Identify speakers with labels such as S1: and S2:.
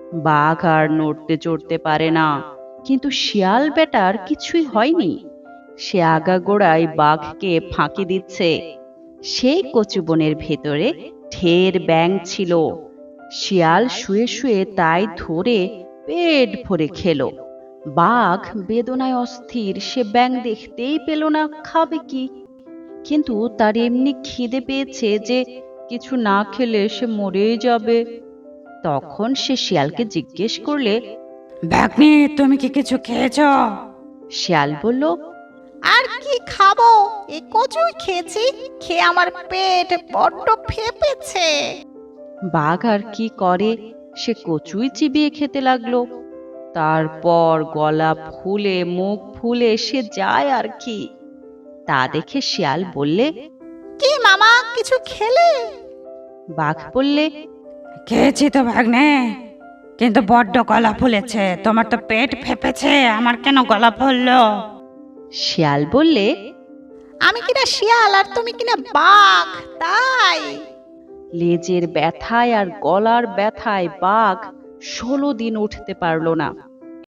S1: বাঘ আর নড়তে চড়তে পারে না, কিন্তু শিয়াল বেটার কিছুই হয়নি। সে আগাগোড়ায় বাঘকে ফাঁকি দিচ্ছে। সেই কচু বনের ভেতরে ঢের ব্যাঙ ছিল। শিয়াল শুয়ে শুয়ে তাই ধরে পেট ভরে খেলো। বাঘ বেদনায় অস্থির, সে ব্যাঙ দেখতেই পেল না, খাবে কি? কিন্তু তার এমনি খিদে পেয়েছে যে কিছু না খেলে সে মরেই যাবে। তখন সে শিয়ালকে জিজ্ঞেস করলে,
S2: ভাগ্নে, তুমি কি কিছু খেয়েছ?
S1: শিয়াল বলল,
S3: আর কি খাবো, এই কচুই খেয়েছি, খেয়ে আমার পেট বড্ড ফেপেছে।
S1: বাঘ আর কি করে, সে কচুই চিবিয়ে খেতে লাগলো। তারপর গলা ফুলে মুখ ফুলে সে যায় আর কি। তা দেখে শিয়াল বললে,
S3: কি মামা, কিছু খেলে?
S1: বাঘ বললে,
S2: খেয়েছি তো ভাগ্নে, কিন্তু বড্ড গলা ফুলেছে। তোমার তো পেট ফেপেছে, আমার কেন গলা ফুললো?
S1: শিয়াল বললে,
S3: আমি কিনা শিয়াল আর তুমি কিনা বাঘ, তাই।
S1: লেজের ব্যথায় আর গলার ব্যথায় বাঘ 16 দিন উঠতে পারল না।